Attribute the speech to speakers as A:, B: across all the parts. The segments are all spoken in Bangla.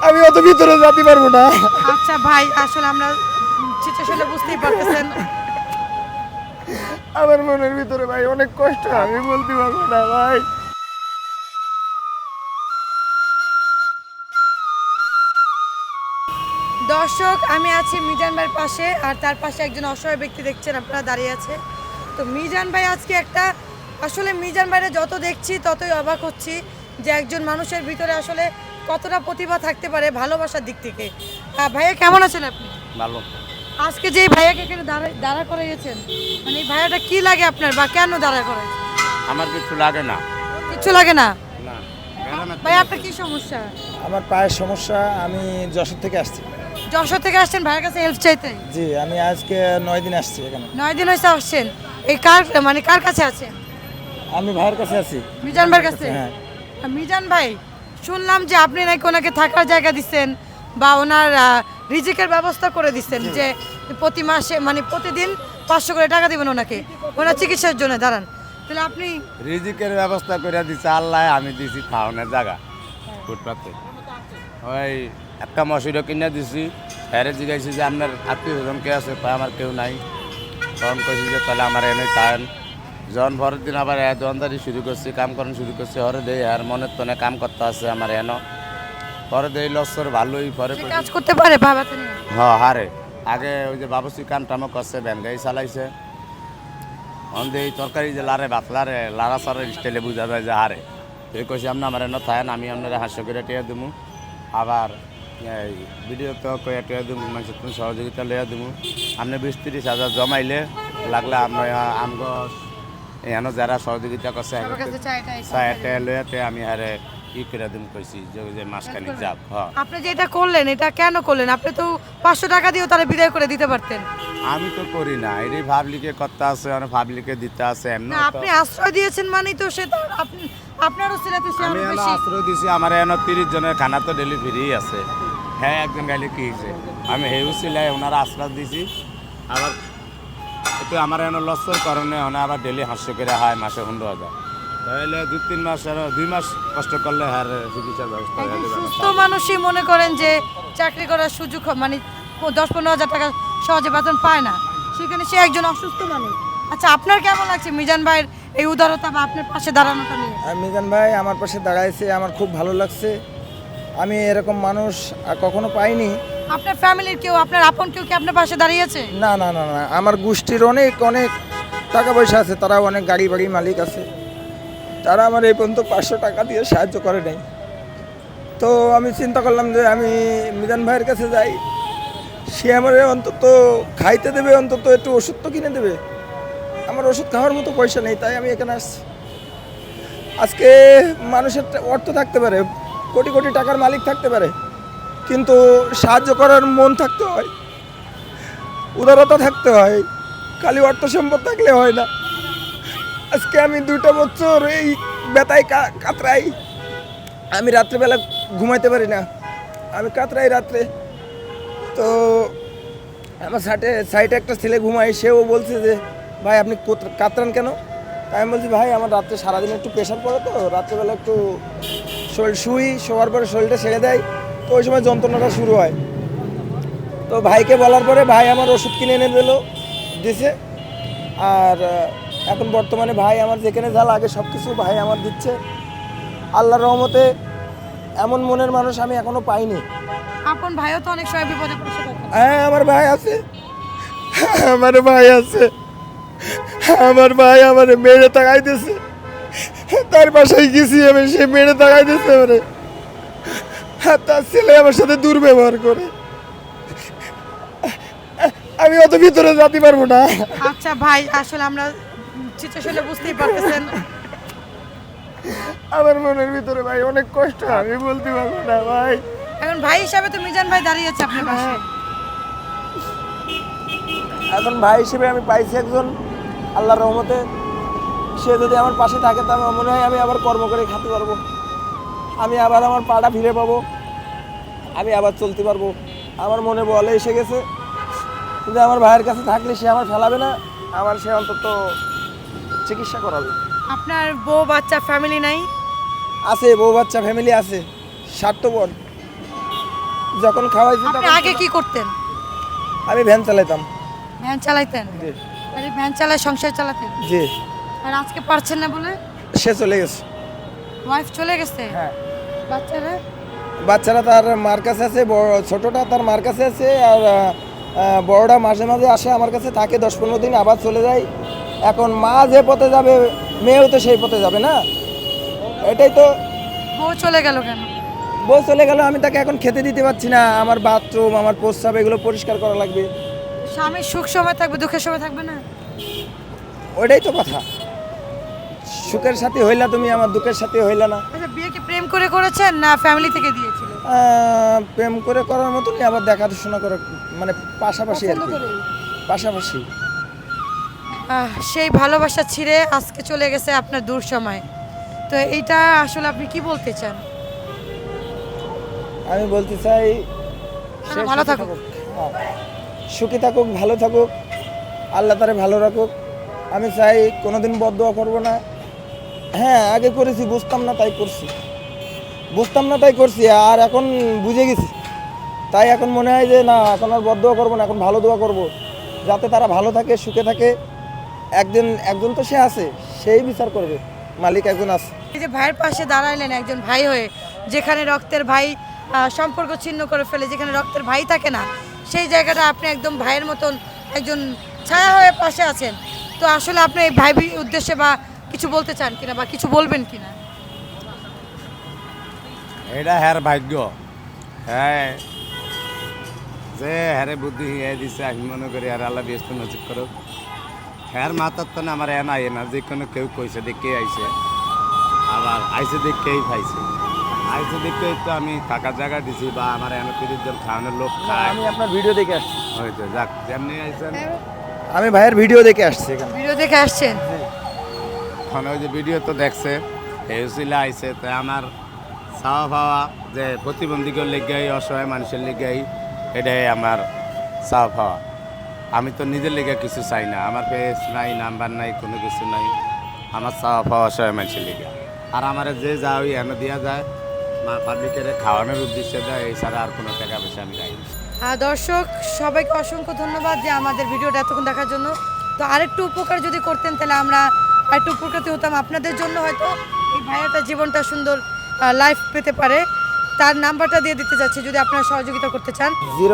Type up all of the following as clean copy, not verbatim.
A: আমি অত ভিতরে যেতে পারবো না।
B: আচ্ছা ভাই, আসলে আমরা সিচুয়েশনটা বুঝতেই পারতেছেন।
A: আমার মনের ভিতরে ভাই অনেক কষ্ট, আমি বলতে পারবো না ভাই।
B: দর্শক, আমি আছি মিজান ভাইয়ের পাশে, আর তার পাশে একজন অসহায় ব্যক্তি দেখছেন আপনারা দাঁড়িয়ে আছে। তো মিজান ভাই আজকে একটা, আসলে মিজান ভাইরা যত দেখছি ততই অবাক হচ্ছি যে একজন মানুষের ভিতরে আসলে কতটা প্রতিভা থাকতে পারে ভালোবাসার দিক থেকে। ভাইয়া কেমন আছেন আপনি?
C: ভালো।
B: আজকে যে এই ভাইয়াকে এখানে দাঁড়া করে গেছেন, মানে এই ভাইয়াটা কি লাগে আপনার, বা কেন দাঁড়া করে?
C: আমার কিছু লাগে না।
B: কিছু লাগে না
C: না
B: ভাই, আপনার কি সমস্যা?
A: আমার পায়ের সমস্যা, আমি যশোর থেকে আসছি।
B: যশোর থেকে আসছেন ভাইয়ের কাছে হেল্প চাইতে?
A: জি, আমি আজকে 9 দিন আসছি এখানে।
B: 9 দিন হয়েছে আসছেন। এই কার কাছে আছেন?
A: আমি ভাইয়ের কাছে আছি।
B: মিজান ভাইয়ের কাছে?
A: হ্যাঁ।
B: মিজান ভাই, শুনলাম যে আপনি নাকি ওনাকে থাকার জায়গা দিচ্ছেন বা ওনার রিজিকের ব্যবস্থা করে দিচ্ছেন, যে প্রতি মাসে মানে প্রতিদিন 500 করে টাকা দিবেন ওনাকে, ওনার চিকিৎসার জন্য। দাঁড়ান, তাহলে আপনি
C: রিজিকের ব্যবস্থা করে দিছে আল্লাহ, আমি দিছি খাওয়ানোর জায়গা ফুটপাতে। ওই একটা মশিরও কিনে দিছি। ফেরে জিজ্ঞাসি যে আপনার আত্মীয় স্বজন কে আছে? কয় আমার কেউ নাই। তখন কইছি যে তাহলে আমার এনে তান জন ভরের দিন আবার দোকানদারি শুরু করছি, কাম করেন শুরু করছি। হরে দেই আর মনের তনে কাম করতে আছে আমার এনো। পরে দেই লসর ভালোই পরে
B: সে কাজ করতে পারে বাবাতে নিয়ে?
C: হ্যাঁ হারে। আগে ওই যে বাবুসি কাম টামও করছে, ভ্যান গাড়ি চালাইছে। অন্ধে এই তরকারি যে লারে ভাত লারে লারা সারের স্টাইলে বুঝা যায় যে হারে। এই কইছি আপনি আমার এনে থাকেন, আমি আপনার 500 করে টিয়া দেবো। আবার এই ভিডিও তো কয়ে টিয়া দেবো, মানুষের তুমি সহযোগিতা লইয়া দেবো। আপনি 20-30 হাজার জমাইলে লাগলে আমরা আমগো এখানে যারা সহযোগিতা করছে
B: সবার কাছে
C: চাইটা লইয়াতে আমি হারে ই করে দিন কইছি যে মাসখানিক যাক। হ্যাঁ,
B: আপনি যে এটা করলেন, এটা কেন করলেন? আপনি তো 500 টাকা দিয়েও তারা বিদায় করে দিতে পারতেন।
C: আমি তো করি না, এটি পাবলিকে করতে আছে, অনেক পাবলিকে দিতে আছে। এমনি
B: না, আপনি আশ্রয় দিয়েছেন মানে তো সে তো আপনারও ছেলেতে সে
C: আমি
B: আরো
C: এনে
B: বেশি।
C: আশ্রয় দিছি, আমার এনে 30 জনের খানা তো ডেলি ফ্রি আছে। হ্যাঁ, একজন গাইলে কি হয়েছে, আমি হেউ ছিলাই ওনারা আশ্রয় দিছি। আবার একটু আমার এনে লসের কারণে ওনা আবার ডেলি 500 করে হয়, মাসে 15,000। তাহলে 2-3 মাস আর 2 মাস কষ্ট করলে আর চিকিৎসার ব্যবস্থা হয়ে যাবে।
B: সুস্থ মানুষই মনে করেন যে চাকরি করার সুযোগ মানে 10-15 হাজার টাকা সহজে বেতন পায় না, সেখানে সে একজন অসুস্থ মানুষ। আচ্ছা, আপনার কেমন লাগছে মিজান ভাইয়ের এই উদারতা বা আপনার পাশে দাঁড়ানোটা নিয়ে?
A: মিজান ভাই আমার পাশে দাঁড়াইছে, আমার খুব ভালো লাগছে। আমি এরকম মানুষ আর কখনো পাইনি।
B: আপনার ফ্যামিলির কেউ, আপনার আপন কেউ কি আপনার পাশে দাঁড়িয়েছে?
A: না না না না, আমার গোষ্ঠীর অনেক অনেক টাকা পয়সা আছে, তারা অনেক গাড়ি বাড়ি মালিক আছে, তারা আমার এই পর্যন্ত 500 টাকা দিয়ে সাহায্য করে নাই। তো আমি চিন্তা করলাম যে আমি মিজান ভাইয়ের কাছে যাই, সে আমার অন্তত খাইতে দেবে, অন্তত একটু ওষুধ তো কিনে দেবে। আমার ওষুধ খাওয়ার মতো পয়সা নেই, তাই আমি এখানে আসছি। আজকে মানুষের অর্থ থাকতে পারে, কোটি কোটি টাকার মালিক থাকতে পারে, কিন্তু সাহায্য করার মন থাকতে হয়, উদারতা থাকতে হয়। খালি অর্থ সম্পদ থাকলে হয় না। আজকে আমি 2টা বছর এই ব্যথায় কাতরাই, আমি রাত্রেবেলা ঘুমাইতে পারি না, আমি কাতরাই রাত্রে। তো আমার সাইডে একটা ছেলে ঘুমাই, সেও বলছে যে ভাই আপনি কাতরান কেন? তাই আমি বলছি ভাই আমার রাত্রে সারাদিন একটু প্রেশার পড়ে, তো রাত্রেবেলা একটু শরীর শোয়ার পরে শরীরটা ছেড়ে দেয়, তো ওই সময় যন্ত্রণাটা শুরু হয়। তো ভাইকে বলার পরে ভাই আমার ওষুধ কিনে এনে দিছে। আর এখন বর্তমানে ভাই আমার যেখানে যা লাগে সব কিছু ভাই আমার দিচ্ছে। আল্লাহর রহমতে এমন মনের মানুষ আমি এখনো পাইনি।
B: আপন ভাইও তো অনেক সময় বিপদে পড়ে থাকে।
A: হ্যাঁ, আমার ভাই আছে, আমার ভাই আছে। আমার ভাই আমার মেরে তাকাই দিয়েছে, তার বাসায় গেছি আমি, সে মেরে তাকাই দিয়েছে আমারে। তার ছেলে আমার সাথে দুর্ব্যবহার করে, আমি অত ভিতরে যেতে পারবো না।
B: আচ্ছা ভাই, আসলে আমরা সিচুয়েশনটা বুঝতেই পারতেছেন।
A: আমার মনের ভিতরে ভাই অনেক কষ্ট, আমি বলতে পারবো না ভাই।
B: এখন ভাই হিসাবে তো মিজান ভাই দাঁড়িয়েছে আপনার পাশে।
A: এখন ভাই হিসেবে আমি পাইছি একজন, আল্লাহর রহমতে। সে যদি আমার পাশে থাকে তা আমার মনে হয় আমি আবার কর্ম করে খেতে পারবো, আমি আবার আমার পাটা ফিরে পাবো, আমি আবার চলতে পারবো। আমার মনে বলে এসে গেছে যে আমার ভাইয়ের কাছে থাকলে সে আমার ফেলাবে না, আমার সে অন্তত চিকিৎসা করাবে।
B: আপনার বউ বাচ্চা ফ্যামিলি নাই?
A: আছে, বউ বাচ্চা ফ্যামিলি আছে, স্বার্থপর। যখন খাওয়াইছি
B: আপনি
A: তখন
B: আগে কি করতেন?
A: আমি ভ্যান চালাইতাম।
B: ভ্যান চালাইতেন?
A: জি
B: আর এই ভ্যান চালায় সংসার চালাতেন?
A: জি।
B: আর আজকে পারছেন না বলে?
A: সে চলে গেছে।
B: ওয়াইফ চলে গেছে?
A: হ্যাঁ,
B: বাচ্চারা?
A: বাচ্চারা তার মার কাছে আছে, ছোটটা তার মার কাছে আছে, আর বড়টা মাঝে মাঝে আসে আমার কাছে, থাকে 10-15 দিন, আবার চলে যায়। এখন মা যে পথে যাবে মেয়েও তো সেই পথে যাবে না, এটাই তো।
B: বউ চলে গেল কেন?
A: বউ চলে গেল, আমি তাকে এখন খেতে দিতে পারছি না, আমার বাথরুম আমার প্রস্রাব এগুলো পরিষ্কার করা লাগবে।
B: স্বামীর সুখ সময় থাকবে, দুঃখের সময় থাকবে না?
A: ওইটাই তো কথা, সুখের সাথে হইলা তুমি, আমার দুঃখের সাথে হইলা না।
B: আচ্ছা, বিয়ে কি প্রেম করে করেছেন না ফ্যামিলি থেকে দিয়েছিল?
A: প্রেম করে করার মতনই, আবার দেখাশোনা করে, মানে পাশাপাশি আর
B: পছন্দ
A: কি,
B: করেই?
A: পাশাপাশি।
B: সেই ভালোবাসা ছিঁড়ে আজকে চলে গেছে আপনার দূর সময়, তো এইটা আসলে আপনি কি বলতে চান?
A: আমি বলতে চাই সে
B: ভালো
A: সুখী
B: থাকুক।
A: হ্যাঁ, সুখী থাকুক, ভালো থাকুক, আল্লাহ তারে ভালো রাখুক। আমি চাই কোনোদিন বদদোয়া করবো না। হ্যাঁ, আগে করেছি, বুঝতাম না তাই করছি, বুঝতাম না তাই করছি, আর এখন বুঝে গেছি, তাই এখন মনে হয় যে না, এখন আর বদদোয়া করবো না, এখন ভালো দোয়া করব, যাতে তারা ভালো থাকে, সুখে থাকে। একজন তো সে আছে, সেই বিচার করবে, মালিক একজন আছে।
B: এই যে ভাইয়ের পাশে দাঁড়াইলেন একজন ভাই হয়ে, যেখানে রক্তের ভাই সম্পর্ক ছিন্ন করে ফেলে, যেখানে রক্তের ভাই থাকে না, সেই জায়গাটা আপনি একদম ভাইয়ের মতন একজন ছায়া হয়ে পাশে আছেন। তো আসলে আপনি এই ভাই উদ্দেশ্যে বা কিছু বলতে চান কিনা বা কিছু বলবেন কিনা?
C: এটা হ্যার ভাগ্য, হ্যাঁ, যে হ্যারে বুদ্ধি হিয়াই দিছে, আমি মনে করি আর আল্লাহ ব্যস্ত নজিব করুক। হ্যার মাথার তো না আমার না যে কোনো কেউ কইছে দেখে আইছে, আবার আইসে দেখেই পাইছে, আইসে দেখেই তো আমি থাকার জায়গা দিছি, বা আমার এনে 30 জন খাওয়ানোর লোক খায়।
A: আমি আপনার ভিডিও দেখে আসছি,
C: হয়তো যাক, যেমনি আইসেন
A: আমি ভাইয়ের ভিডিও দেখে আসছি এখানে।
B: ভিডিও দেখে আসছেন?
C: ওখানে ওই যে ভিডিও তো দেখছে, হেউসিলা আইসে, তাই আমার চাওয়া পাওয়া যে প্রতিবন্ধীকের লেগাই, অসহায় মানুষের লেগাই, এটাই আমার চাওয়া পাওয়া। আমি তো নিজের লেগে কিছু চাই না, আমার পেজ নাই, নাম্বার নাই, কোনো কিছু নাই, আমার চাওয়া পাওয়া অসহায় মানুষের লেগে। আর আমার যে যা ওই এনে দেওয়া যায়, পাবলিকের খাওয়ানোর উদ্দেশ্যে দেয়, এছাড়া আর কোনো টাকা পয়সা আমি রাখি না।
B: দর্শক সবাইকে অসংখ্য ধন্যবাদ যে আমাদের ভিডিওটা এতক্ষণ দেখার জন্য। তো আরেকটু উপকার যদি করতেন তাহলে আমরা আরেকটু উপকৃত হতাম, আপনাদের জন্য হয়তো এই ভাইয়াটা জীবনটা সুন্দর লাইফ পেতে পারে। তার নাম্বারটা দিয়ে দিতে যাচ্ছি যদি আপনারা সহযোগিতা করতে চান।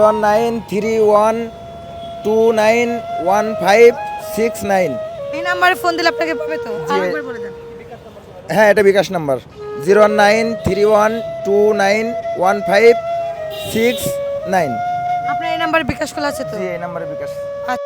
A: 093129156
B: এই নাম্বারে ফোন দিলে আপনাকে পাবে তো?
A: জি।
B: আরেকবার বলে দেন।
A: হ্যাঁ, এটা বিকাশ নাম্বার 093129156 9।
B: আপনার এই নাম্বারে বিকাশ খোলা আছে তো?
A: জি, এই নাম্বারে বিকাশ।